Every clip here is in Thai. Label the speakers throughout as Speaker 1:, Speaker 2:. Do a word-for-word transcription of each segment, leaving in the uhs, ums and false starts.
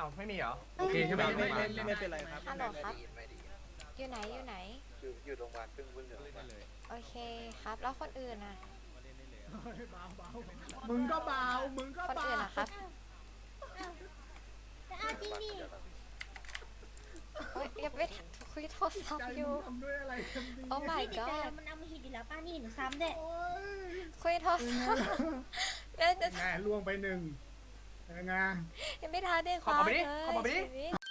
Speaker 1: าวไม่มีเหรอ
Speaker 2: โอเคใช่ไหม
Speaker 3: ไม่
Speaker 2: ไม่
Speaker 3: ไม่
Speaker 2: ไม่
Speaker 3: ไม่
Speaker 2: ไม่
Speaker 3: ไม่เป็นไรครับ
Speaker 4: ฮัลโหลครับอยู่ไหนอยู่ไหน
Speaker 5: อยู่อยู่โรงพยาบาลเพิ่งเพิ่งเหลือมา
Speaker 4: โอเคครับ แล้วคนอื่นน่ะ
Speaker 3: มึงก็เบามึงก็
Speaker 4: คน
Speaker 3: เบา
Speaker 4: อื่นนะครับ
Speaker 6: แต่เอาจริงดิ
Speaker 4: เฮ้ยยังไม่ทันคุยโทรศัพ
Speaker 3: ใจ
Speaker 4: ท์อ
Speaker 3: มึ
Speaker 4: ยู่
Speaker 3: งทำด้วยอะไรกันดี
Speaker 4: โอ้ my
Speaker 6: พี่ติดใจ
Speaker 4: god
Speaker 6: มันเอามาหิดอีกแล้วป้านี่หนูซ้ำเด็ด
Speaker 3: โอ้ย
Speaker 4: คุยโทรศัพท์ยังจะ
Speaker 3: แง่ล่วงไปหนึ่งยังไง
Speaker 4: ยังไม่ทันได้ค
Speaker 1: เข้า
Speaker 4: ว้า
Speaker 1: มาไปดิ
Speaker 4: เลย
Speaker 1: เข้ามาไปดิ
Speaker 4: ชีวิต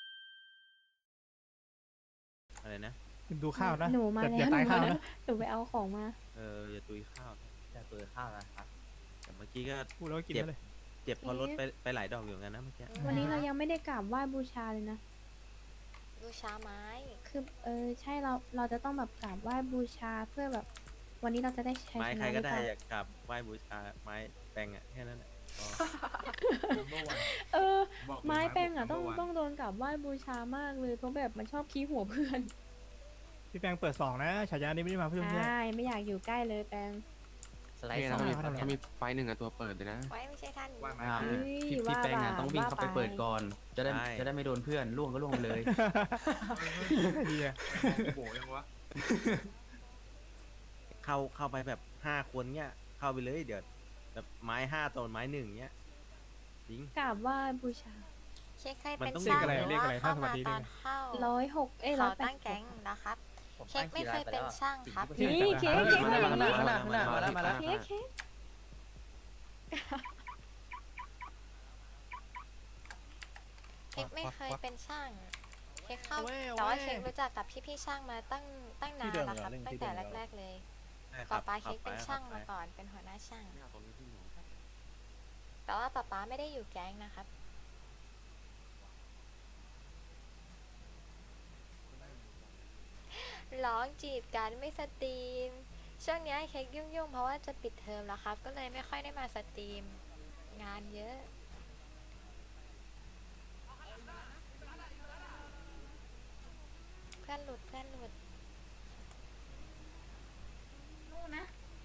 Speaker 7: อะไรนะ
Speaker 2: ดูข้าวนะ
Speaker 8: หนูมา
Speaker 2: อย่า
Speaker 8: แล้ว
Speaker 2: ตาย
Speaker 8: หนู
Speaker 2: ข้าว
Speaker 8: มาแล้ว
Speaker 2: นะ
Speaker 8: หนูไปเอาของมา
Speaker 7: เอออย่าตุยข้าว
Speaker 1: จะตัวข้าวนะครับ
Speaker 7: แต่เมื่อกี้ก็
Speaker 2: พูดแล้วก็กิน
Speaker 7: เจ็บ
Speaker 2: ไปเลย
Speaker 7: เจ็บเพอรถไปไปหลายดอกอยู่เหมือนกันนะเมื่อกี้
Speaker 8: วันนี้เรายังไม่ได้กราบไหว้บูชาเลยนะ
Speaker 4: บูชาไม้
Speaker 8: คือเออใช่เราเราจะต้องแบบกราบไหว้บูชาเพื่อแบบ วันนี้เราจะได้ใช้
Speaker 7: ไม้
Speaker 8: ช
Speaker 7: ใคร
Speaker 8: นะห
Speaker 7: ก็
Speaker 8: รือ
Speaker 7: ได้
Speaker 8: เปล่า
Speaker 7: อยากกลับไหว้บูชาไม้แปลงอ่ะแค่นั้นแหละพอ
Speaker 8: เออ ไม้แป้งอ่ะต้องต้องโดนกราบไหว้บูชามากเลยเพราะแบบมันชอบขี้หัวเพื่อน
Speaker 2: พี่แปงเปิดสองนะฉายานี้ไม่ได้มาเพื่อนเพื่อน
Speaker 8: ใช่ไม่อยากอยู่ใกล้เลยแปง
Speaker 1: สไลด์สอง
Speaker 2: เนี่ยนะ
Speaker 1: ถ้ามีไฟหนึ่งอะตัวเปิดเลยนะ
Speaker 4: ไว้ไม่ใช่ท่าน
Speaker 1: ว่าไหม
Speaker 8: เฮ้ย
Speaker 9: พี่
Speaker 8: ว่า
Speaker 9: แป้ง
Speaker 8: บ่า
Speaker 9: อะต้องวิ่งเข้าไปเปิดก่อน จะได้
Speaker 7: ใช่
Speaker 9: จะได้ไม่โดนเพื่อนล่วงก็ล่วงไปเลย
Speaker 2: เฮีย
Speaker 1: โบยังวะ
Speaker 7: เข้าเข้าไปแบบห้าคนเนี้ยเข้าไปเลยเดี๋ยวแบบไม้ห้าตอนไม้หนึ่งเนี้ยจริง
Speaker 8: กราบไหว้บูชา
Speaker 4: เช็คให้
Speaker 7: มัน
Speaker 4: เป็น
Speaker 7: ต้อง
Speaker 4: ช่าง
Speaker 2: เรียกอะไร
Speaker 4: หรือ
Speaker 2: เรียก
Speaker 4: ว่า
Speaker 2: อะไร
Speaker 4: เข้า
Speaker 2: ถ้าสวั
Speaker 4: มา
Speaker 2: สดี
Speaker 4: ต
Speaker 2: เรีย
Speaker 4: อก น
Speaker 2: อะไร
Speaker 4: เข้า
Speaker 8: ร้อยหกเอ้ยร้อ
Speaker 4: เขา
Speaker 8: ยแป
Speaker 4: ตั้
Speaker 8: ด
Speaker 4: งแก๊งนะครับ เค้กไม่เคยเป็นช่างครับ
Speaker 8: นี่เค้กเค้กมาอย่างนี้
Speaker 1: ข้างหน้าข้างหน้ามาแล้วมาแล้ว
Speaker 8: เค้กเค้ก
Speaker 4: เค้กไม่เคยเป็นช่าง เค้กเข้าแต่ว่าเค้กรู้จักกับพี่ๆช่างมาตั้งตั้งนานแล้วครับตั้งแต่แรกๆเลย
Speaker 7: ใช่ค
Speaker 4: ป๊า
Speaker 7: รับ
Speaker 4: ป๊า
Speaker 7: ขั
Speaker 4: เค้
Speaker 7: บ
Speaker 4: ก
Speaker 7: ไป
Speaker 4: เป็นช่าง
Speaker 7: ขับไป
Speaker 4: มาก่อนเป็นหัวหน้าช่าง แต่ว่าป๊าป๊าไม่ได้อยู่แก๊งนะครับ ร้องจีบกันไม่สตรีม ช่วงเนี้ยเค้กยุ่งๆ เพราะว่าจะปิดเทอมแล้วครับ ก็เลยไม่ค่อยได้มาสตรีม งานเยอะ เพื่อนหลุดเพื่อนหลุด
Speaker 6: นู่นนะ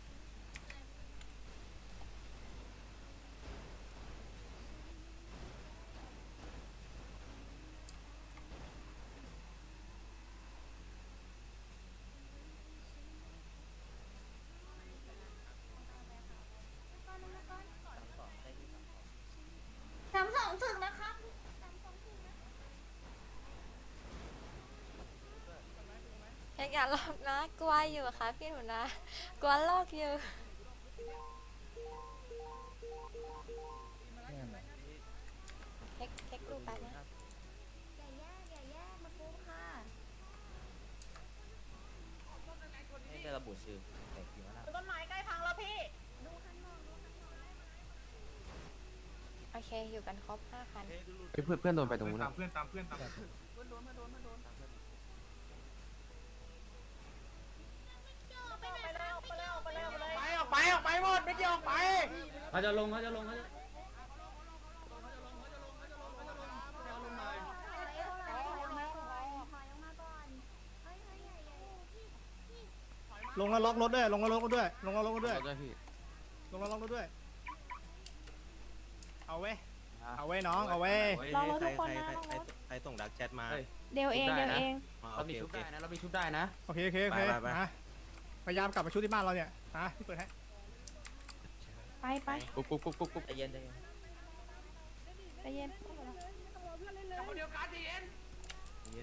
Speaker 6: สามสองถึงนะครับสามสองถึงนะ
Speaker 4: เค้กอย่าลอกนะ กลัวอยู่ค่ะพี่หนูนะ กลัวลอกอยู่ เค้กเค้กดูแป๊บนะ
Speaker 6: อย่าแยกอย่าแยกมาปูค่ะ
Speaker 9: ไม่ได้ระบุชื่อแต่กี่วันละ
Speaker 6: ต้นไม้ใกล้พังแล้วพี่ ดูข้างนอกดูข้างนอก
Speaker 4: โอเค อยู่กันครบห้าคัน
Speaker 1: เพื่อนเพื่อนโดนไปตรงนู้น
Speaker 3: ตามเพื่อนตามเพื่อนตามเพื่อน
Speaker 6: ไปแล้วไปแล้วไปแล้วไปแล้ว
Speaker 1: ไปออกไปออกไปหมดไม่เกี่ยวออกไป
Speaker 9: เขาจะลงเขาจะลงเขาจะ
Speaker 2: ลงแล้วล็อกรถด้วยลงแล้วล็อกรถด้วยลงแล้วล็อกรถด้วย
Speaker 1: ด้วยพี่
Speaker 2: ลงแล้วล็อกรถด้วย เอาเว้ยเอาเว้ยน้องเอาเว้ย
Speaker 8: ลองรถทุกคน
Speaker 7: ใคร
Speaker 8: นะ
Speaker 7: ใครใครใครส่งดักแชทมา
Speaker 8: เดี๋ยวเองเดี๋ยวเอง
Speaker 7: อ๋อ
Speaker 9: เรา
Speaker 7: โอ
Speaker 9: มี
Speaker 7: เค
Speaker 9: ชุ
Speaker 7: โอบ เค
Speaker 9: ได้นะ เรามีชุบได้นะ
Speaker 2: โอเคโอเคโอเค
Speaker 7: ไปไปไป
Speaker 2: นะพยายามกลับมาชุดที่บ้านเราเนี่ยนะพี่เปิดให้
Speaker 8: ไปไป
Speaker 1: ปุ๊บปุ๊บปุ๊บปุ๊บปุ๊บ
Speaker 9: ใจเย็นใจเย็น
Speaker 8: ใจเย็น
Speaker 1: เดียวกันเย็น
Speaker 9: ใจเย็น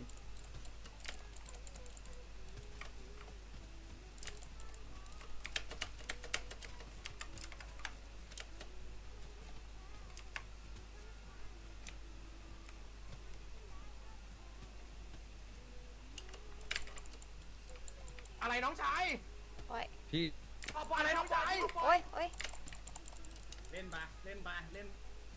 Speaker 1: อะไรน้องชาย
Speaker 4: โอ้ย
Speaker 1: พี่ขอบอะไรน้องชาย
Speaker 4: โอ้ยโอ้ย
Speaker 2: เล่นไปเล่นไปเล่น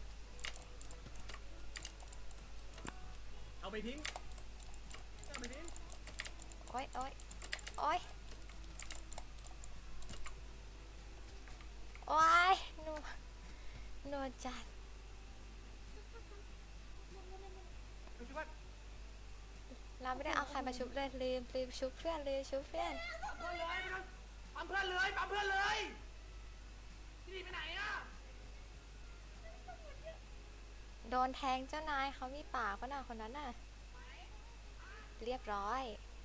Speaker 2: เอาไปทิ้งเอาไปทิ้ง
Speaker 4: โอ้ยโอ้ยโอ้ยโอ้ยหนูหนูจัด เราไม่ได้เอาใครมาชุบเลยลืมลืมชุบเพื่อนลืมชุบเพื่อน
Speaker 1: ปั๊มเพื่อนเลยปั๊มเพื่อนเลยพี่ไปไหนอ่ะ
Speaker 4: โดนแทงเจ้านายเขามีปากปะน่ะคนนั้นน่ะ เรียบร้อย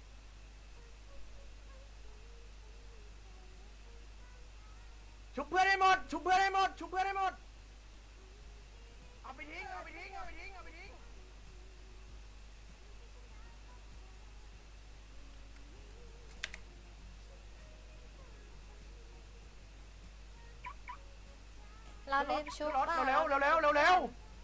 Speaker 1: ชุบเพื่อนให้หมดชุบเพื่อนให้หมดชุบเพื่อนให้หมดเอาไปทิ้งเอาไปทิ้งเอาไปทิ้งเอาไปทิ้ง
Speaker 4: เราเล่นชุบ
Speaker 1: รถ
Speaker 4: เปล่า
Speaker 1: เร็วเร็วเร็วเร็วเร็ว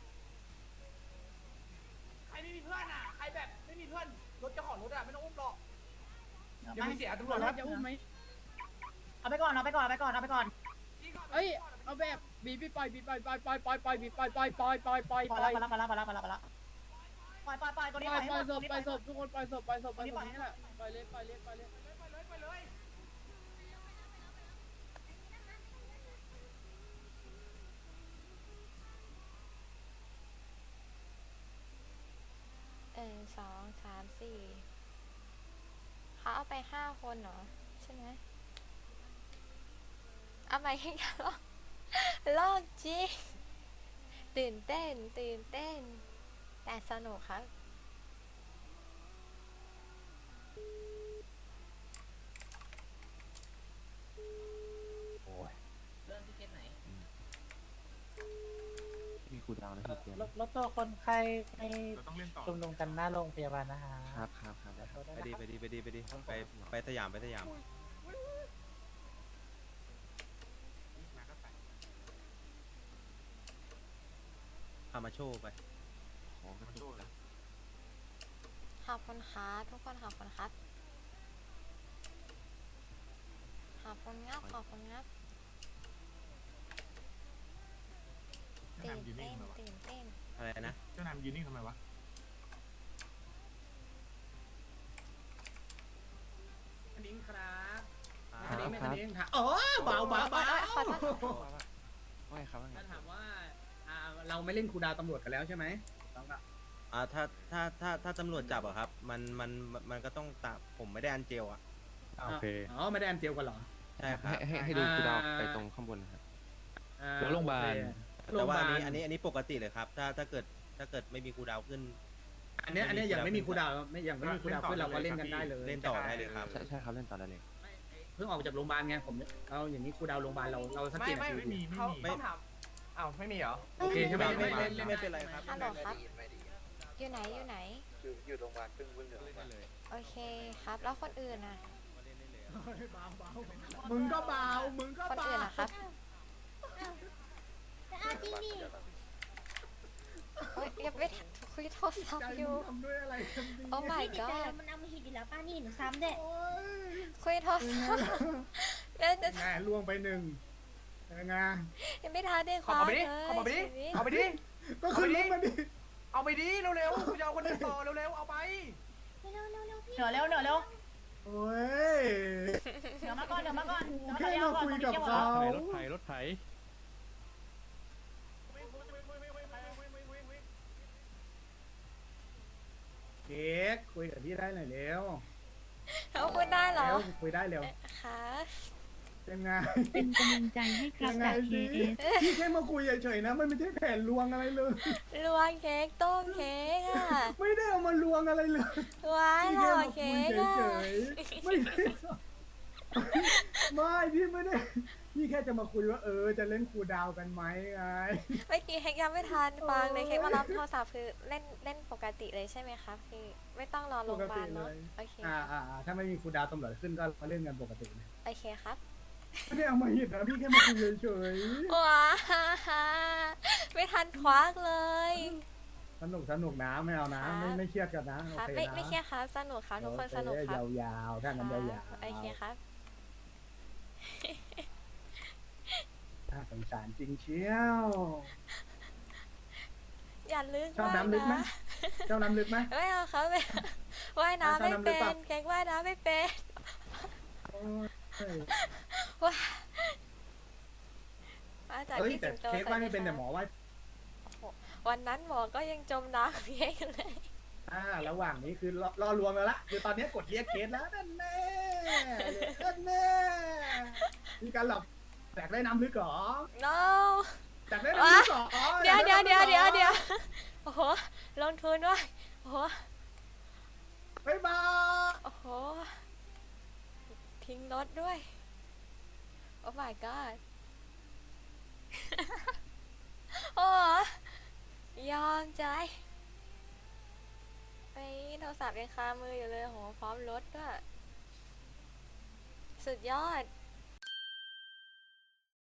Speaker 1: ใครไม่มีเพื่อนอ่ะใครแบบไม่มีเพื่อนรถเจ้าของรถอ่ะไม่ต้องอุ้มหรอกเดี๋ยวมันเสียตำรวจรถ
Speaker 6: จะอุ้มไหมเอาไปก่อนเอาไปก่อนเอาไปก่อนเอาไปก่อน
Speaker 1: เอ้ยเอาแบบบีบไปบีบไปไปไปไปไปบีบไปไปไปไปไป
Speaker 6: ปล่อยแล้วปล่อยแล้วปล่อยแล้วปล่อยแล้วปล่อยแล้วปล่อยปล่อยปล่อยตัวนี้
Speaker 1: ไป
Speaker 6: ปล่อย
Speaker 1: ไป
Speaker 6: ให้หมด
Speaker 1: ศ
Speaker 6: ตัว
Speaker 1: พ
Speaker 6: นี้
Speaker 1: ไป
Speaker 6: ปล่อย
Speaker 1: ศพทุกคนไปศพไปศพไปศพนี่แหละไปเลยไปเลยไปเลยไปเลยไปเลย
Speaker 4: เออสองสามสี่เขาเอาไปห้าคนเหรอ ใช่ไหมเอาไปให้กันลอกลอกจริงตื่นเต้น ตื่นเต้น แต่สนุกครับ
Speaker 7: มีครูดาวนะพี่เกียร์
Speaker 6: รถรถตัวคนไข้ให้
Speaker 3: เราต้องเล่นต่อ
Speaker 6: ชุมนุมกันหน้าโรงพยาบาลนะฮะ
Speaker 7: ครับครับครับไปดีไปดีไปดีไปดีไปไปสยามไปสยามพามาโชว์ไปขอกระตุก
Speaker 4: ขอบคุณครับทุกคนขอบคุณครับ ขอบคุณงับขอบคุณงับตื่นเต้นตื่นเต้น
Speaker 7: อะไรนะ
Speaker 3: เจ้านายยืนนิ่งทำไมวะ
Speaker 1: นิ้งครับ
Speaker 7: ค
Speaker 1: นิ้
Speaker 7: รั
Speaker 1: ง
Speaker 7: บ
Speaker 1: ไม่
Speaker 7: ครับ
Speaker 1: นิ้งค่ะอ๋อเบาเบาเบา
Speaker 4: ขอโทษ
Speaker 7: ว่าไงครับว่าไง
Speaker 1: ถ้าถามว่าอ่าเราไม่เล่นคูดาวตำรวจกันแล้วใช่ไหมต้องก็
Speaker 7: อ่าถ้าถ้าถ้าถ้าตำรวจจับอะครับ มันมันมันก็ต้องตามผมไม่ได้อันเจลอะ
Speaker 3: โอเค
Speaker 1: อ๋อไม่ได้อันเจียวกันเหรอ
Speaker 7: ใช่ครับ
Speaker 5: ให้ให้ดูคูดาวไปตรงข้างบนนะครับ
Speaker 1: อ่า
Speaker 3: แล้วโรงพยาบาล
Speaker 1: โรงพ
Speaker 7: แต่
Speaker 1: ยา
Speaker 7: ว่า
Speaker 1: บา
Speaker 7: อัน
Speaker 1: ล
Speaker 7: นี้อันนี้อันนี้ปกติเลยครับ ถ้าถ้าเกิดถ้าเกิดไม่มีครูดาวขึ้น
Speaker 1: อันเนี้ยอันเนี้ยยังไม่มีคูดาวไม่ยังไม่มีคูดาวขึ้นเราก็เล่นกันได้เลย
Speaker 7: เล่นต่อได้เลยครับ
Speaker 5: ใช่ใช่ครับเล่นต่อได้เลย
Speaker 1: เพิ่งออกจากโรงพยาบาลไงผมเราอย่างนี้คูดาวโรงพยาบาลเราเราสักกี่นาที
Speaker 3: ไม่มีไม่มี
Speaker 7: ไม่
Speaker 1: ต้องถามอ้าวไม่มีเหรอโอเคใช่ไหม
Speaker 7: ไม่
Speaker 1: ไม่
Speaker 7: ไม่
Speaker 1: ไม่
Speaker 7: ไม่เป็นไรครับ
Speaker 4: ฮัลโหลครับ
Speaker 5: ไม่ดี
Speaker 4: อยู่ไหนอยู่ไหน
Speaker 5: อยู่อยู่โรงพยาบาลเพิ่งวิ่งเหลืองมา
Speaker 4: โอเคครับ แล้วคนอื่นน่ะ
Speaker 1: เบาเบามึงก็เบามึงก็
Speaker 4: คน
Speaker 1: เบา
Speaker 4: อื่นนะครับ
Speaker 6: อ้าวจริงดิ
Speaker 4: เฮ้ยยังไม่ทันคุยโทรศัพ
Speaker 3: ใจ
Speaker 4: ท์อ
Speaker 3: มึ
Speaker 4: ยู่
Speaker 3: งทำด้วยอะไรกันดี
Speaker 4: โอ้ my
Speaker 6: พี่ติดใจ
Speaker 4: god
Speaker 6: มันเอามาหิดอยู่แล้วป้านี่หนูซ้ำเด็ด
Speaker 3: โอ้ย
Speaker 4: คุยโทรศัพท์แล้วจะ
Speaker 3: แม่ล่วงไปหนึ่งยังไง
Speaker 4: ยังไม่ทันได้ค
Speaker 1: ขอ
Speaker 4: ว้า
Speaker 1: ไป
Speaker 4: เล
Speaker 1: ดิ
Speaker 4: ย
Speaker 1: ขอไปดิ
Speaker 4: ชีวิต
Speaker 1: เอาไปดิ
Speaker 3: ก็ขึ้นรถมาดิ
Speaker 1: เอาไปดิเร็วๆกูจะเอาคนอื่นต่อเร็วๆเอาไป
Speaker 6: เร็วเร็วเร็วพี่
Speaker 8: เหนือเร็วเหนือเร็ว
Speaker 3: โอ้ย
Speaker 8: เหนือมาก่อนเหนือมาก่อน
Speaker 3: แค่มาคุยกับเขา
Speaker 2: รถไถรถไถ
Speaker 3: เค้กคุยกับพี่ได้หน่อยเร็ว
Speaker 4: เขาพูดได้เหรอ
Speaker 3: เร็วคุยได้เร็ว
Speaker 4: คะ
Speaker 3: ยังไง
Speaker 8: เป็นกำลังใจให้ครับ
Speaker 3: ยังไง
Speaker 8: จาก
Speaker 3: ดี
Speaker 8: เคเอส
Speaker 3: พี่แค่มาคุยเฉยๆนะ มันไม่ใช่แผนลวงอะไรเลย
Speaker 4: ลวงเค้กต้มเค้กอ่ะ
Speaker 3: ไม่ได้เอามาลวงอะไรเลย
Speaker 4: ว้าย
Speaker 3: พี่
Speaker 4: หล่
Speaker 3: แค่
Speaker 4: อ
Speaker 3: มาคุ
Speaker 4: เค้
Speaker 3: ย
Speaker 4: ก
Speaker 3: เฉ
Speaker 4: อ่ะ
Speaker 3: ยๆไม่ได้ไม่พี่ไม่ได้พี่แค่จะมาคุยว่าเออจะเล่นครูดาวกันไหมไง
Speaker 4: เมื่อกี้เค้กยังไม่ทันฟังเลยเค้กมารับโทรศัพท์คือเล่นเล่นปกติเลยใช่ไหมคะพี่ไม่ต้องรอโรงพยาบาลเนาะ
Speaker 3: ปกติเลย
Speaker 4: โอเค
Speaker 3: อ่าอ่าอ่าถ้าไม่มีครูดาวตำรวจขึ้นก็มาเล่นกันปกติเลย
Speaker 4: โอเคครับ
Speaker 3: ไม่ได้เอามาหิดนะพี่แค่มาคุยเฉย
Speaker 4: ว้าไม่ทันควักเลย
Speaker 3: ๆสนุกสนุกนะไม่เอานะไม่ไม่เครียดกันนะโอ
Speaker 4: ครับ
Speaker 3: เค
Speaker 4: ไม่
Speaker 3: นะ
Speaker 4: ไม่เครียดครับสนุกครับทุกคนสนุกครับ
Speaker 3: โอเยาวๆถ้างั้นยาว
Speaker 4: โอเคครับ
Speaker 3: ๆน่าสงสารจริงเชียว
Speaker 4: อย่าลึก
Speaker 3: ชอบ
Speaker 4: มาก
Speaker 3: น้ำลึกไหม
Speaker 4: นะ
Speaker 3: เจ้าน้ำลึกไหม
Speaker 4: ไม่เอาครับไม่เอาว่ายน้ำ
Speaker 3: ชอบ
Speaker 4: ไม่
Speaker 3: น้ำลึ
Speaker 4: เป็
Speaker 3: กปะ
Speaker 4: นเค้กว่ายน้ำไม่เป็น
Speaker 3: โอ้ย
Speaker 4: ว้ามาจาก
Speaker 3: เฮ้ย
Speaker 4: พี่
Speaker 3: แต่
Speaker 4: สิงโต
Speaker 3: เค้กว่าไม่เป็น
Speaker 4: ส
Speaker 3: แต่
Speaker 4: วัส
Speaker 3: หม
Speaker 4: ดี
Speaker 3: อว่า
Speaker 4: ค่ะวันนั้นหมอก็ยังจมน้ำเค้กเลย
Speaker 3: อ่าระหว่างนี้คือรอรอรวมแล้วละคือตอนนี้กดเรียกเคสแล้วนั่นแน่นั่นแน่มีการหลับแตกได้น้ำลึกเหรอ
Speaker 4: no
Speaker 3: จัดได้
Speaker 4: ว้า
Speaker 3: สอง
Speaker 4: เดี๋ยวเดี๋ยวเดี๋ยวเดี๋ยวเดี๋ยวโอ้โหลงทุนด้วยโอ้โห
Speaker 3: บ๊ายบาย
Speaker 4: โอ้โหทิ้งรถด้วยโอ้ my god โอ้ยอมใจไอ้โทรศัพท์ยังคามืออยู่เลยโหพร้อมรถด้วยสุดยอด